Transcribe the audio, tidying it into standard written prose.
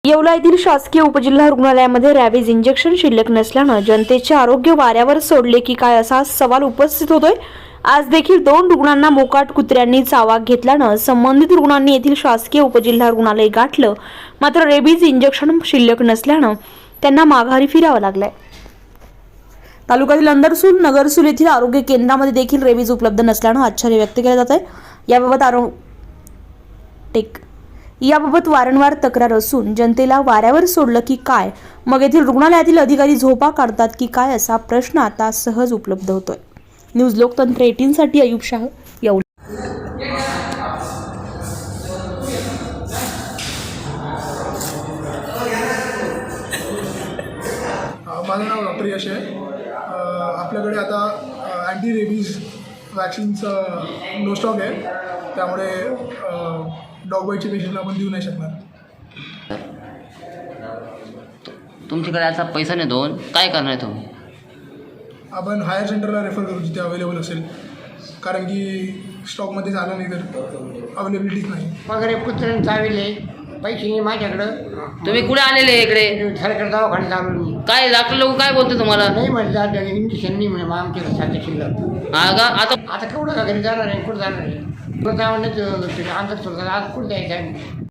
येवला येथील शासकीय उपजिल्हा रुग्णालयामध्ये रॅबीज इंजेक्शन शिल्लक नसल्यानं जनतेचे आरोग्य वाऱ्यावर सोडले की काय असा सवाल उपस्थित होतोय। आज देखील 2 रुग्णांना मोकाट कुत्र्यांनी चावा घेतल्यानं संबंधित रुग्णांनी येथील शासकीय उपजिल्हा रुग्णालय गाठलं। मात्र रेबीज इंजेक्शन शिल्लक नसल्यानं त्यांना माघारी फिरावं लागलंय। तालुक्यातील अंदरसूल नगरसूल येथील आरोग्य केंद्रामध्ये देखील रेबीज उपलब्ध नसल्यानं आश्चर्य व्यक्त केलं जात आहे। याबाबत वारंवार तक्रार असून जनतेला वाऱ्यावर सोडलं की काय, मग येथील रुग्णालयातील अधिकारी झोपा काढतात की काय असा प्रश्न आता सहज उपलब्ध होतोय। न्यूज लोकतंत्र 18 साठी अयुब शाह, येवला। माझं नाव डॉक्टर यश आहे। आपल्याकडे आता अँटी रेबीज वॅक्सिनचं नो स्टॉक आहे, त्यामुळे डॉग बाईटचे पेशंटला आपण देऊ नाही शकणार। तुमच्याकडे आता पैसा नाही दोन काय करणार तुम्ही? आपण हायर सेंटरला रेफर करू जिथे अवेलेबल असेल, कारण की स्टॉकमध्ये झालं नाही तर अवेलेबिलिटीच नाही। वगैरे कुत्र्याने चाविले, पैसे नाही माझ्याकडं। तुम्ही कुठे आलेले इकडे? सरकार दवाखान्यात आलो मी। काय डॉक्टर लोक काय बोलते तुम्हाला? नाही म्हणजे इंजेक्शन नाही म्हणे, मग आमच्याकडे साध्या शिल्लक। हा का? आता केवढं का घरी जाणार आहे, कुठं जाणार आहे? कुठं जाणार नाही, अंतर सोडतात आज कुठं जायचं आहे?